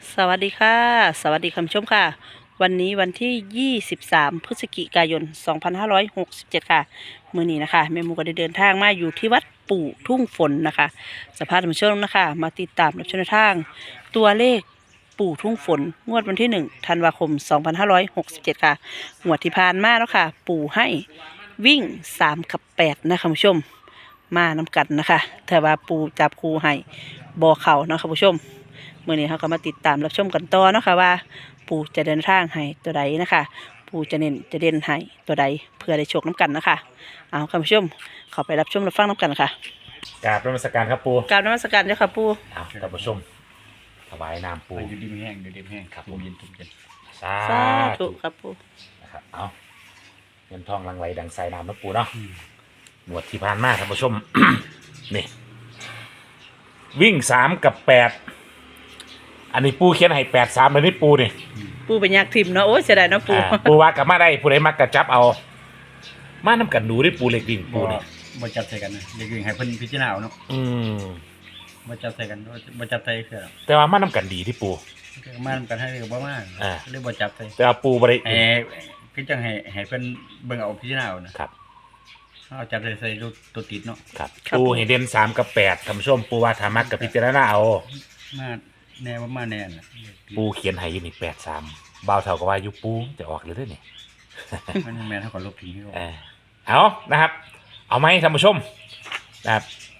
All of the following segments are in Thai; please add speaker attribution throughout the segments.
Speaker 1: สวัสดีค่ะสวัสดีคุณผู้ชมค่ะวันนี้วันที่ 23 พฤศจิกายน 2567 ค่ะมื้อนี้นะคะแม่หมูก็ได้เดินทางมาอยู่ที่วัดปู่ทุ่งฝนนะคะสภาพท่านผู้ชมนะคะมาติดตามรับชมแนวทางตัวเลขปู่ทุ่งฝนงวดวันที่1ธันวาคม 2567 ค่ะงวดที่ผ่านมาแล้วค่ะปู่ให้วิ่ง3กับ8นะคะคุณผู้ชมมานำกันนะคะแต่ว่าปู่จับคู่ให้บ่เข้านะคะคุณผู้ชม เมื่อนี้เขาก็มาติดตามรับชมกันต่อเนาะค่ะว่าปู่จะเดินทางให้ตัวใดนะคะปู่จะเน้นจะเด่นให้ตัวใดเพื่อได้โชคน้ำกันนะคะเอาคุณผู้ชมเข้าไปรับชมรับฟังน้ำกันค่ะ
Speaker 2: กราบนมัสการครับปู
Speaker 1: กราบนมัสการเจ้าค่ะปู่
Speaker 2: เอาท่านผู้ชมถวายน้ำปู
Speaker 3: อยู่ดีไม่แห้งอยู่ดีไม่แห้งครับผมเย็นทุกเย็น
Speaker 2: สา
Speaker 1: สาธุ
Speaker 2: ธุ
Speaker 1: ครับปู่
Speaker 2: นะครับเอาเงินทองหลังไหลดังสายน้ำนะปูเนาะหมวดที่ผ่านมาท่านผู้ชม นี่วิ่ง3กับ8อันนี้ปูเขียนให้83เลยนี่ปูนี่
Speaker 1: ปู่เป็นยักษ์ทิมเนาะโอ้ยเสียดายเนาะปู่
Speaker 2: ปูว่ากลับมาได้ผู้ใดมักกระจับเอามาน้ำกันดูได้ปูเล็กวิ่งปูนี่
Speaker 3: บ่จับใส่กันนะเด็กๆให้เพิ่นพิจารณาเอาเนาะ บ่จับใส่กันบ่จับใส่คือ
Speaker 2: แต่ว่ามาน้ำกันดีที่ปู
Speaker 3: มากันให้ก็บ่มาหรือบ่จับใส่
Speaker 2: แต่ว่าปูบริ
Speaker 3: คือจังให้เพิ่นเบิ่งเอาพิจารณาเอานะครับ เอาจับใส่ตัวติดเนาะ
Speaker 2: ครับปูให้เด่น3กับ8ท่านผู้ชมปูว่าถ้ามักกับพิจารณาเอา
Speaker 3: มาแน่บ่มาแน่น่ะ
Speaker 2: ปูเขียนให้อยู่นี่83บ่าวเท่าก็ว่าอยู่ปูจะออกเลยเด้อนี่
Speaker 3: มันแม่นเท่ากับลบทิ้งให้
Speaker 2: เอานะครับ เอาไหมท่านผู้ชมนะครับ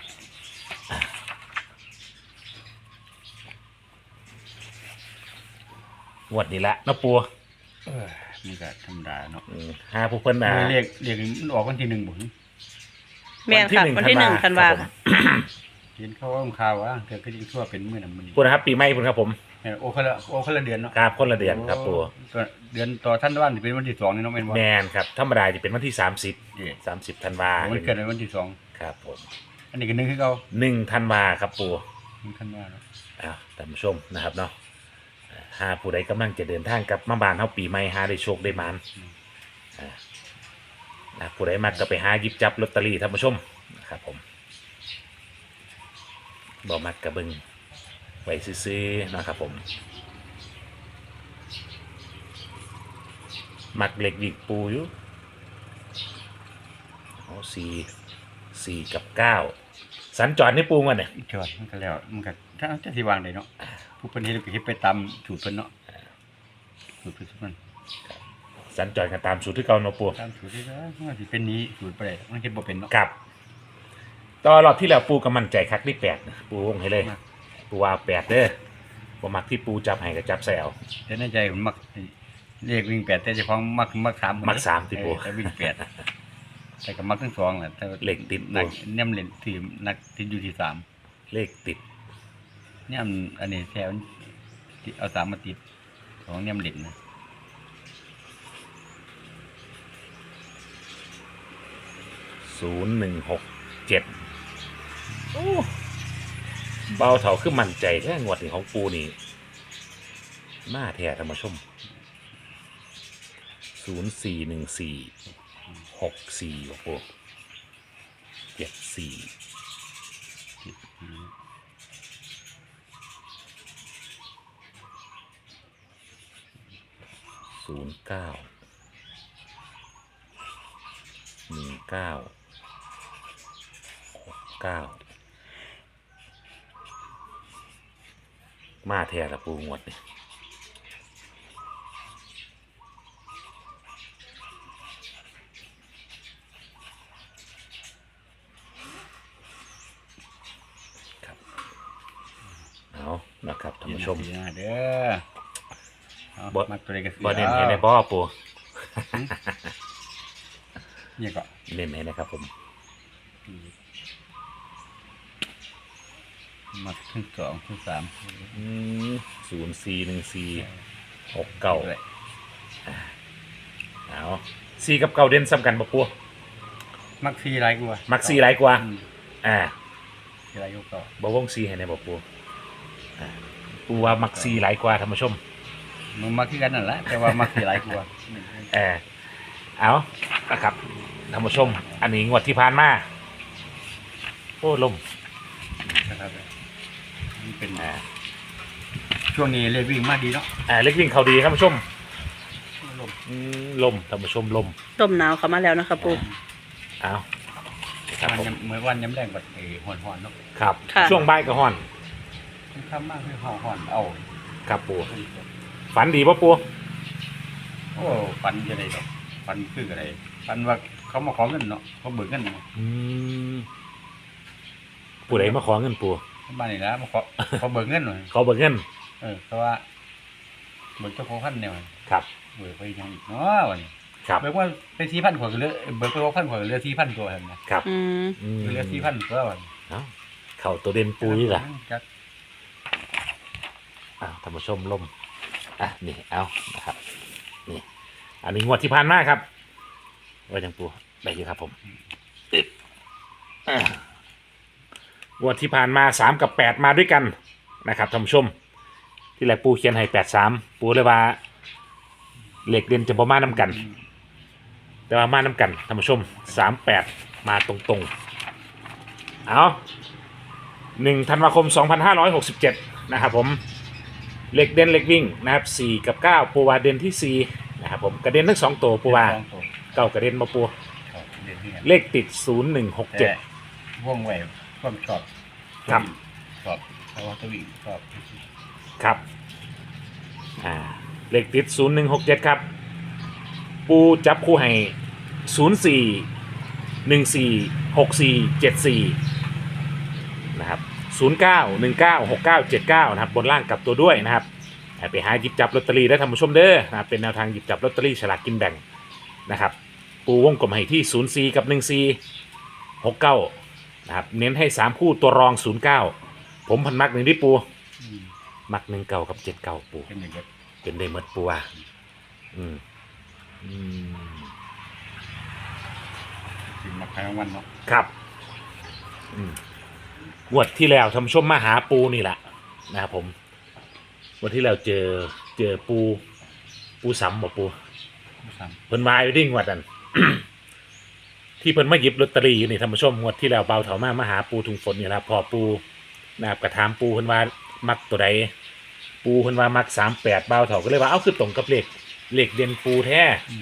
Speaker 2: งวดนี้ละเนาะปู
Speaker 3: นี่ก็ธรรมดาเนาะ
Speaker 2: หาผู้เพิ่น
Speaker 3: เรียกมันออกวันที่1บ่
Speaker 1: แม่นค่ะวันที่1ธันวาคม
Speaker 3: เห็นเขาว่าข่าวว่าเธอก็ยิ่งทั่วเป็นมื้อนั้นมื้อนี้
Speaker 2: ปูนะครับปีใหม่พุ่นครับผม
Speaker 3: โอ้คนละเดือนเนาะ
Speaker 2: ครับคนละเดือนครับปู
Speaker 3: เดือนต่อท่านว่าสิเป็นวันที่2นี่เนาะแม่นบ่
Speaker 2: แมนครับธรรมดาจะเป็นวันที่30ธันวา
Speaker 3: มันเกิดในวันที่2
Speaker 2: ครับผม
Speaker 3: อันนี้ก็1คือเก่า
Speaker 2: 1ธันวาครับปู
Speaker 3: 1ธันวาเนาะ
Speaker 2: ท่านผู้ชมนะครับเนาะหาผู้ใดกำลังจะเดินทางกลับมาบ้านเฮาปีใหม่หาได้โชคได้หมานผู้ใดมักก็ไปหาหยิบจับลอตเตอรี่ท่านผู้ชมนะครับผมบ่มักกะเบิงไว้ซื้อๆนะครับผมมักเล็กวิกปูอยู่เอา4กับ9สัญจรนี่ปูมันเนี่ย
Speaker 3: จอดมันก็แล้วมันก็ถ้าจะสิวางได้เนาะผู้เพิ่นเฮ็ดก็เฮ็ดไปตามสูตรเพิ่นเนาะสูตรเพิ่นมัน
Speaker 2: สัญจรกันตามสูตรที่เก่าเนาะปู
Speaker 3: ตามสูตรที่ว่าสิเป็นนี้สูตรบ่ได้มันเฮ็ดบ่เป็นเนาะ
Speaker 2: กับตอนรอบที่แล้วปูก็มั่นใจคักที่8นะปูวงให้เลยปูว่า8เด้อบ่มักที่ปูจับให้ก็จับใส่เอา
Speaker 3: แต่ในใจผมมักเรียกวิ่ง8แต่เจ้าของมัก3
Speaker 2: มัก3ที่ปู
Speaker 3: แต่วิ่ง8แต่ก็มักทั้งสองแหละแต่
Speaker 2: เลขติด
Speaker 3: นักแนมเล่นที่นักติดอยู่ที่3
Speaker 2: เลขติด
Speaker 3: แนมอันนี้แถวเอา3มาติดของแนมเล่นนะ
Speaker 2: 0167โอ้เบาเท่าคือมั่นใจแท้งวดนี้ของปูนี่มาแท้ท่านผู้ชม041464บ่ปู74091969มาแท้ละปูงวดนี่ครับเอานะครับท่านผู้ชม
Speaker 3: เด้อมักตัวใดก็ซื้อ
Speaker 2: บ่เน้นให้ในบ่ปู
Speaker 3: นี่ก็
Speaker 2: เน้นให้นะครับผม
Speaker 3: มักทั้ง2ทั้ง3
Speaker 2: 041469เอา4กับ9เด่นซ้ำกันบ่ปู
Speaker 3: มัก4หลายกว่า
Speaker 2: มัก4หลายกว่า
Speaker 3: หลายกว่า
Speaker 2: บ่วง4ให้ในบ่ปูปูว่ามัก4หลายกว่าท่านผู้ชม
Speaker 3: มันมักคือกันนั่นแหละแต่ว่ามัก4หลายกว่า
Speaker 2: เอานะครับท่านผู้ชมอันนี้งวดที่ผ่านมาโอ้ลม
Speaker 3: นะครับมันเป็นช่วงนี้เลขวิ่งมาดีเนาะ
Speaker 2: เล็กวิ่งเขาดีครับท่านผู้ชม
Speaker 3: ลม
Speaker 2: ลมท่านผู้ชมลม
Speaker 1: ลมหนาวเข้ามาแล้วนะคะปู
Speaker 2: เอาครับผม
Speaker 3: เหมือนวันย้ำแรงแบบห่อนๆเนาะ
Speaker 2: ครับ
Speaker 1: ค่ะ
Speaker 2: ช่วงบ่ายก็ฮ้อน
Speaker 3: ค่ำมากคือห่อนเอา
Speaker 2: ครับปูฝันดีป่ะปู
Speaker 3: โอ้ฟันจะได้ดอกฟันคืออะไรฟันว่าเขามาขอเงินเนาะเขาเบิกเงินเนาะ
Speaker 2: ปูไหนมาขอเงินปู
Speaker 3: บ้านนี่นะมาขอเขาเบิกเงินหน่อย
Speaker 2: เขาเบิกเงิน
Speaker 3: เพราะว่าเบิกเจ้าของพันเนี่ย
Speaker 2: ครับ
Speaker 3: เบิกไปยังอีกเนาะวันนี้
Speaker 2: ครับ
Speaker 3: เบิกว่าเป็น4,000 กว่าก็เหลือเบิกไป6,000 กว่าก็เหลือ4,000 กว่าหั่นนะครับ
Speaker 1: อืม
Speaker 3: เหลือ4,000 กว่าวัน
Speaker 2: เอ้าเข่าตัวเด่นปูนี่แหละ
Speaker 3: จัก
Speaker 2: ท่านผู้ชมลมนี่เอานะครับนี่อันนี้งวดที่ผ่านมาครับว่าจังปูได้อยู่ครับผมงวดที่ผ่านมา3 กับ 8มาด้วยกันนะครับท่านผู้ชมที่แรกปูเขียนให้83ปูเลยว่าเหล็กเด่นจะบ่มาน้ำกัน แต่ว่ามาน้ำกันท่านผู้ชม38มาตรงๆเอา1 ธันวาคม 2567นะครับผมเหล็กเด่นเหล็กวิ่งนะครับ4 กับ 9ปูวาเด่นที่4นะครับผมกระเด็นทั้ง2ตัวปูวาเก้ากระเด็นมาปู
Speaker 3: ครับเด่นที่กัน
Speaker 2: เลขติด
Speaker 3: แต่ว่องไวความชอบ
Speaker 2: ครับ
Speaker 3: ชอบเพราะว่าตัววิ่งชอบ
Speaker 2: 0167ครับเลขติด0167ครับปูจับคู่ให้04 14 64 74นะครับ09 19 69 79นะครับบนล่างกลับตัวด้วยนะครับไปหาหยิบจับลอตเตอรี่ได้ท่านผู้ชมเด้อนะครับเป็นแนวทางหยิบจับลอตเตอรี่ฉลากกินแบ่งนะครับปูวงกลมให้ที่04กับ14 69นะครับเน้นให้3คู่ตัวรอง09ผมพันมักหนึ่งที่ปูมัก19กับ79ปู
Speaker 3: เป็นอย่างเงี้ย
Speaker 2: เป็นได้หมดปูว่าอืม
Speaker 3: ถึงมาครั้งวันเนาะ
Speaker 2: ครับงวดที่แล้วทำชมมาหาปูนี่แหละนะครับผมงวันที่แล้วเจอปูสำบอกปู
Speaker 3: สาม
Speaker 2: เพิ่นมาอยู่ดิ้งวัดนั้น ที่เพิ่นมาหยิบลอตเตอรี่อยู่นี่ท่านผู้ชมงวดที่แล้วเบาเถามาหาปูถุงฝนนี่แหละพอปูนะครับกระถามปูเพิ่นว่ามักตัวใดปูเพิ่นว่ามัก38เบาเถาก็เลยว่าเอ้าคือตรงกับเลขเด่นปูแท้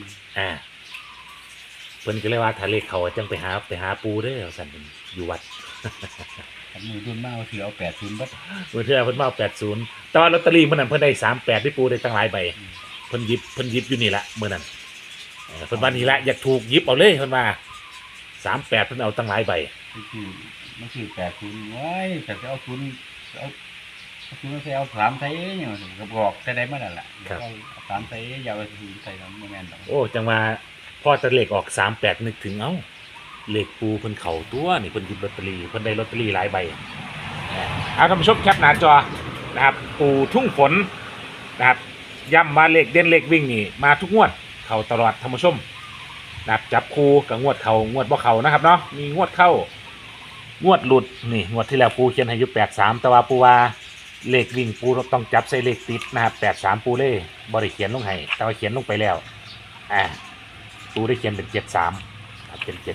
Speaker 2: เพิ่นก็เลยว่าถ้าเลขเขาจังไปหาปูเด้อสั่นเพิ่นอยู่วัด
Speaker 3: ผมมือรุ่นมากว่าถือเอา80บัด
Speaker 2: เมื่อเทื่อเพิ่นมาเอา80แต่ว่าลอตเตอรี่เมื่อนั้นเพิ่นได้38ที่ปูได้ตั้งหลายใบเพิ่นหยิบอยู่นี่ละเมื่อนั้นเพิ่นว่านี่ละอยากถูกหยิบเอาเลยเพิ่นว่า38เพิ่นเอาตั้งหลายใบ
Speaker 3: มันคือ80ไว้แต่จะเอาทุนเอาทุนใส่เอา3ใส่เนี่ยก็บอกแต่ได้มาแล้วล่ะเอา3ใส่อย่าเอาทุนใส่แล้วบ่แม่นดอก
Speaker 2: โอ้จังว่าพอแตะเลขออก38นึกถึงเอ้าเลขปูเพิ่นเข้าตัวนี่เพิ่นหยิบลอตเตอรี่เพิ่นได้ลอตเตอรี่หลายใบเอาท่านผู้ชมแคปหน้าจอนะครับปูทุ่งฝนนะครับย้ำว่าเลขเด่นเลขวิ่งนี่มาทุกงวดเข้าตลอดท่านผู้ชมนะครับจับคู่กับงวดเข้างวดบ่เข้านะครับเนาะมีงวดเข้างวดหลุดนี่งวดที่แล้วปูเขียนให้อยู่83แต่ว่าปูว่าเลขวิ่งปูต้องจับใส่เลขติดนะครับ83ปูเล่บ่ได้เขียนลงให้แต่ว่าเขียนลงไปแล้วปูได้เขียนเป็น73ครับเป็น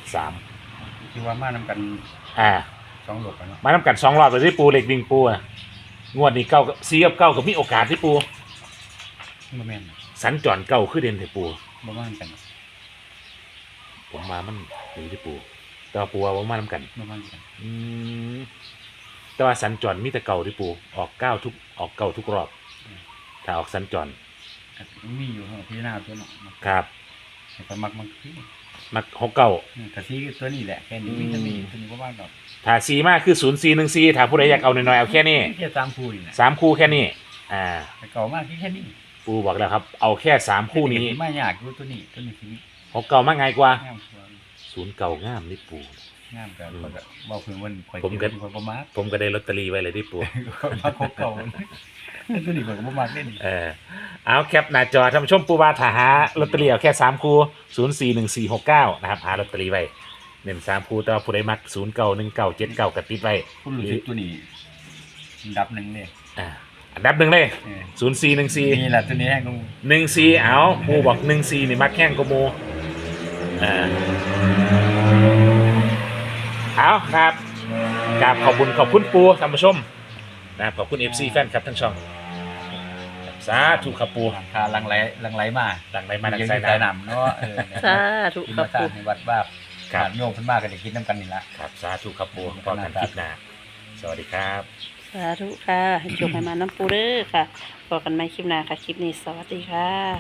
Speaker 2: 73
Speaker 3: ที่ว่ามานํกัน2หลบเนาะ
Speaker 2: มานำกัน2รอบเลยที่ปูเลขวิ่งปูงวดนี้9กับ4กับ9ก็มีโอกาสที่ปู
Speaker 3: บ่แม่น
Speaker 2: สัญจรเก้าคือเด่นที่ปู
Speaker 3: บ่มากัน
Speaker 2: ผมมามันดีที่ปูแต่ว่าปูว่าบ่มานำกัน
Speaker 3: บ่มากัน
Speaker 2: แต่ว่าสัญจรมีแต่เก่าที่ปูออกเก้าทุกรอบถ้าออกสัญจร
Speaker 3: มีอยู่พี่หน้าตัวเนาะ
Speaker 2: ครับ
Speaker 3: ก็มักคือ
Speaker 2: มัก69
Speaker 3: ถ้าซีตัวนี้แหละแค่นี้มีตัวนี้บ่ว่าดอก
Speaker 2: ถ้า4มากคือ0414ถ้าผู้ใดอยากเอาน้อยๆเอาแค่นี้
Speaker 3: แค่3คู่นี่แหละ
Speaker 2: 3คู่แค่นี้
Speaker 3: แต่เก่ามากแค่นี้
Speaker 2: ปูบอกแล้วครับเอาแค่3คู่นี้
Speaker 3: ไม่ยากอยู่ตัวนี้สิ
Speaker 2: 69มาง่ายกว่าง
Speaker 3: ามกว่า
Speaker 2: 09งามนี่ปู
Speaker 3: งามก็บ่เพิ่นวันข่อย
Speaker 2: ผมก็
Speaker 3: ข่อยบ่มัก
Speaker 2: ผมก็ได้ลอตเตอรี่ไว้เลยที่ปู
Speaker 3: มาครบเก่าตัวนี้ข่อยก็บ่มักเด้นี่
Speaker 2: เอาแคปหน้าจอท่านผู้ชมปูว่าถ้าหาลอตเตอรี่เอาแค่3คู่041469นะครับหาลอตเตอรี่ไว้เน้น3คู่แต่ว่าผู้ใดมัก091979ก็ติดไว้
Speaker 3: ผู้รู้สึกตัวนี้ดับหนึงเลย
Speaker 2: อันดับหนึ่งเลย
Speaker 3: นี่
Speaker 2: 0414
Speaker 3: แหละตัวนี้ให้กู
Speaker 2: 14เอาปูบอก14นี่มักแข้งกว่าหมู่เอาครับกราบขอบคุณปูท่านผู้ชมนะครับขอบคุณ FC แฟนครับทั้งช่องสาธุครับปู
Speaker 3: หลังคาลังไหลมา
Speaker 2: ดังไรมาดัง
Speaker 3: ยัง
Speaker 2: ไซ
Speaker 3: มีสาย
Speaker 2: น้ำ
Speaker 3: น้ำเนาะเนี่ย
Speaker 1: สาธุ
Speaker 3: กิน
Speaker 1: ครั
Speaker 3: มา
Speaker 1: บ
Speaker 3: สร้า
Speaker 1: ปู
Speaker 3: งในวัดบ้า
Speaker 2: ครับ
Speaker 3: ญาติโยมเพิ่นมาก็ได้กินน้ำกันนี่ละ
Speaker 2: ครับสาธุครับปูพอกันคลิปหน้าสวัสดีครับ
Speaker 1: สาธุค่ะให้โชคให้มาน้ำปูเด้อค่ะพบกันใหม่คลิปหน้าค่ะ คลิปนี้สวัสดีค่ะ